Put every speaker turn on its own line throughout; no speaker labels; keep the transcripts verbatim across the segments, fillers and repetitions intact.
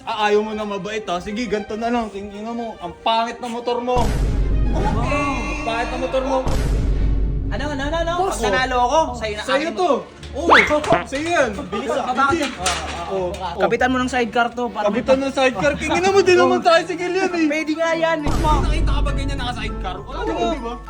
Ah, ayaw mo na mabait ha? Sige, ganito na lang. Tingnan mo, ang pangit na motor mo.
Okay.
Ang pangit na motor mo.
Ano, ano, ano, ano?
Boss,
Pag nanalo ako, sa'yo na
Sa'yo
akin mo-
to. Oo, sa'yo yan.
Bilis ah. Bakit yan?
Oo, oo.
Kapitan mo ng sidecar to. Para
Kapitan ng sidecar. Kingin mo din naman tricycle yan eh.
Pwede nga yan. eh. Ma-
Nakita ka ba ganyan naka-sidecar? Wala naman, di ba?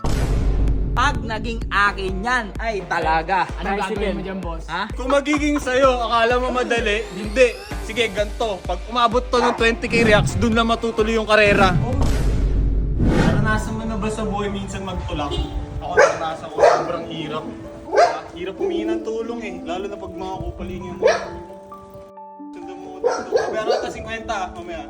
Pag naging akin yan, ay talaga.
Anong gagawin mo dyan, boss?
Ha?
Kung magiging sa'yo, akala mo madali, hindi. Sige, ganito. Pag umabot to ng twenty K reacts, dun lang matutuloy yung karera. Naranasan mo na ba sa buhay minsan magtulak? Ako naranasan ko, sobrang hirap. Hirap humingi ng tulong eh, lalo na pag mga kupalingin mo. Sundan mo ko dito. Babayaran ka ta fifty, mamaya.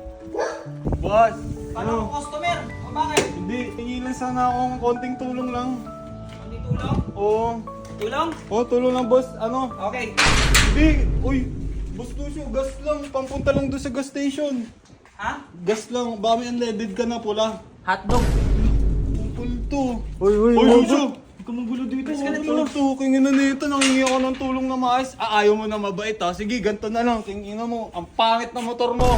Boss,
Paano
ano?
ako customer? O bakit?
Hindi, hingi lang sana akong konting tulong lang.
Hindi tulong?
Oo.
Tulong?
Oo, tulong lang boss. Ano?
Okay.
Hindi, uy. Boss Lucio, gas lang. Pampunta lang doon sa gas station.
Ha?
Gas lang. Baka may unleaded ka na pula.
Hotdog.
Pupul to.
Uy, uy,
Uy, Lucio.
Kumugulo dito.
Pupul to. Kingin na nito. Nangingi ako ng tulong na maayos. Ah, ayaw mo na mabait ha. Sige, ganito na lang. Kingin mo. Ang pangit na motor mo.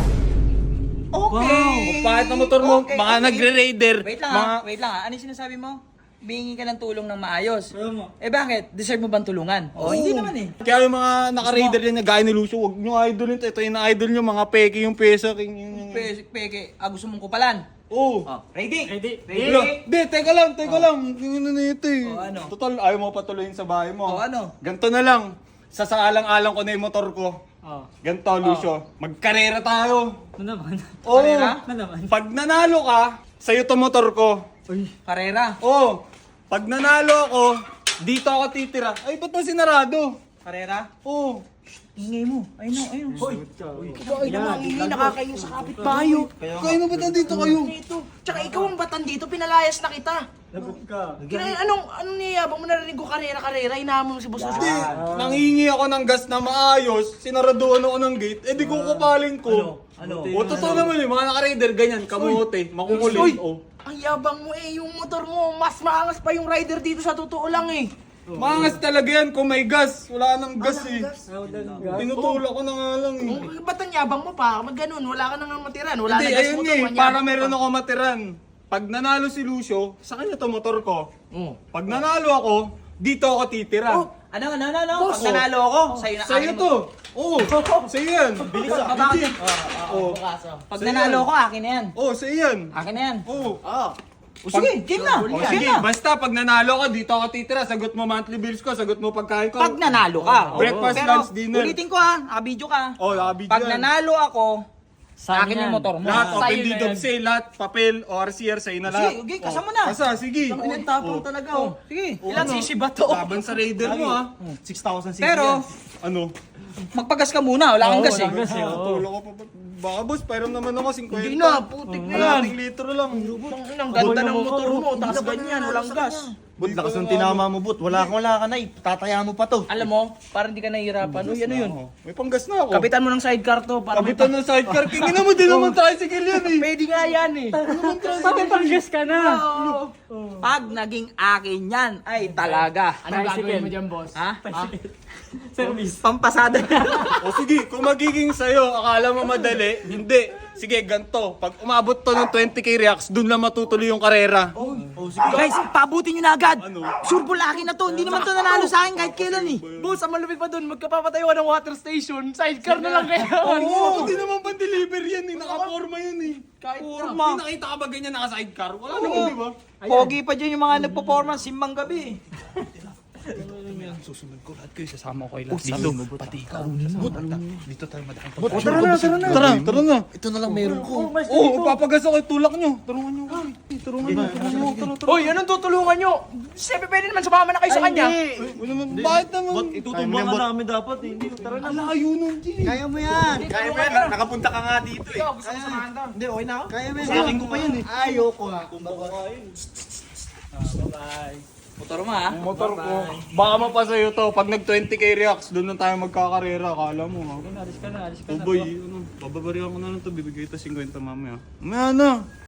Okay.
Ang pangit na motor mo.
Okay,
Mga
okay.
nagre-raider.
Wait lang
mga...
ha. Wait lang ha. Ano yung sinasabi mo? Bihingi ka ng tulong ng maayos. Eh bakit? Deserve mo bang tulungan? Oh, hindi naman eh.
Kaya yung mga naka-raider yan na gaya ni Lucio, huwag nyo idolin. Ito yung na-idol nyo. Mga peke yung pesa. King, yung, yung...
Peke, peke. Ah, gusto mong kupalan?
Oo.
Oh, ready?
Ready?
Wala. Di, teka lang, teka lang. Tingin na nito eh.
Oh, ano?
Total, ayaw mo patuloyin sa bahay mo.
Oh, ano?
Ganto na lang. Sasaalang-alang ko na yung motor ko.
Oh.
Ganto, Lucio. Magkarera tayo.
Ano naman?
Oo.
Karera?
Ano naman?
Pag nanalo ka, sa'yo to motor ko.
Uy.
Karera.
Oo. Pag nanalo ako, dito ako titira. Ay, ba't mo sinarado?
Karera?
Oo.
Ingay mo. Ayun o, ayun. Hoy.
Bakit naman,
Ingay nakakayo sa kapitbahay.
Kaya na ba't nandito kayo?
Dito. Tsaka ikaw ang batan dito, pinalayas na kita.
Lagot ka.
Kaya anong, anong niyayabang mo narinig ko karera-karera, inahamon mo si Boss
Hindi,
Lucio.
nanghingi ako ng gas na maayos, sinaraduan ako ng gate, eh di ko kupaling ko.
Ano?
O, totoo naman eh, mga naka-raider, ganyan, kamote, makukulit.
Uy!
Oh.
Ang yabang mo eh, yung motor mo, mas maangas pa yung rider dito sa totoo lang eh.
Maangas talaga yan kung may gas. Wala nang gas eh. Tinutulak ko na nga lang eh.
Kung ba't ang yabang mo pa? Mag ganun, wala ka nang matiran, wala
Hindi,
na gas
ayun
motor.
eh,
manyabang
para
ka
meron
pa.
ako matiran. Pag nanalo si Lucio, sa kanya to motor ko.
Oh.
Pag nanalo ako, dito ako titira.
Oh, ano, ano, ano, ano?
Boss,
Pag nanalo ako, sa'yo na
Sa'yo
akin
to.
mo-
Oo, sa'yo yan.
Bilis ah, bakit?
Oo.
Pag
Sa'yo
nanalo
yan.
ako, akin na yan.
Oo, sa'yo yan.
Akin na yan.
Oo.
O sige, game na.
O
Game
sige,
na.
basta pag nanalo ka, dito ako titira. Sagot mo monthly bills ko, sagot mo pagkain ko.
Pag nanalo ka.
Breakfast,
Pero,
lunch, dinner.
ulitin ko ha, nakabidyo ka.
Oh, nakabidyo
Pag
yan.
nanalo ako, sa
Saan
akin
yan?
yung motor mo.
Lahat,
Sa'yo
open
na
deed of
yan.
sale, lahat, papel, O R C R, sa'yo na lahat.
Sige, okay, kasama na.
Kasa, sige.
Ang tapang
Oh.
talaga oh. Sige,
Oh,
ilan
ano?
sisi ba to?
Laban sa raider mo ha.
six thousand cc
Pero,
Ano?
magpagas ka muna, wala kang
Oo,
gas eh.
walang gas eh, oo.
Tulog ko pa. Baka boss, pairam naman ako, fifty.
Hindi na, putik na yan.
Kalating litro lang.
Ang ganda ng motor mo, tapos ganyan, walang gas.
But lakas ng tinama mo, but wala kang wala ka na, itataya mo pa to.
Alam mo, parang hindi ka nahihirapan. Uy, ano yun?
Oh, may panggas na ako.
Kapitan mo ng sidecar to. Para may
Kapitan ng sidecar. Kingin mo din naman tricycle yan eh.
Pwede nga yan eh.
Bakit pang-gas ka na?
Pag naging akin yan, ay talaga.
Anong gagawin mo dyan, boss?
Ha? Ha?
Service.
Pampasada na.
O sige, kung magiging sa'yo, akala mo madali, hindi. Sige, ganto. Pag umabot to ng twenty K reacts, dun lang matutuloy yung karera.
Guys, paabutin nyo na agad.
Ano?
Sure ball akin na to. Hindi naman to nanalo sa akin kahit kailan eh. Boss, ang malupit pa dun. Magkapapatayo ng water station. Sidecar na lang kayo.
Oo, hindi naman pa deliver yan eh. Nakaporma yan eh.
Kahit
Porma. Hindi nakita ka ba ganyan naka-sidecar? Wala naman, di ba?
Pogi pa dyan yung mga nagpo-performance simbang gabi.
Susunod ko lahat kayo, sasama ko kayo lahat.
Dito, pati ikaw.
Dito tayo madahan.
Tara na, tara na.
Tara, tara na.
Ito na lang meron ko.
Oo, oh, papagas ako, tulak nyo. Tulungan nyo. Eh, Tulungan nyo, tulungan nyo. Tara, tara.
Hoy, anong tutulungan nyo? Siyempre pwede naman sumama na kayo sa kanya.
Ano naman, bakit naman?
Itutumba ka namin dapat eh. Hindi, tara na.
Ang layo nun, G.
Kaya mo yan.
Kaya mo yan, nakapunta ka nga dito eh.
Ikaw, gusto mo samahan to?
Hindi, okay na ako. Kaya mo yan. Sa akin ko pa yan eh. Ayoko nga.
Motor mo ha?
Motor ko. Baka mapasayo to. Pag nag twenty K reacts, doon na tayo magkakarera. Kala mo ha.
Alis ka na, alis ka
Oh
na.
boy, ano, bababarihan ko na lang to. Bibigay ito fifty mamaya. Mamaya na.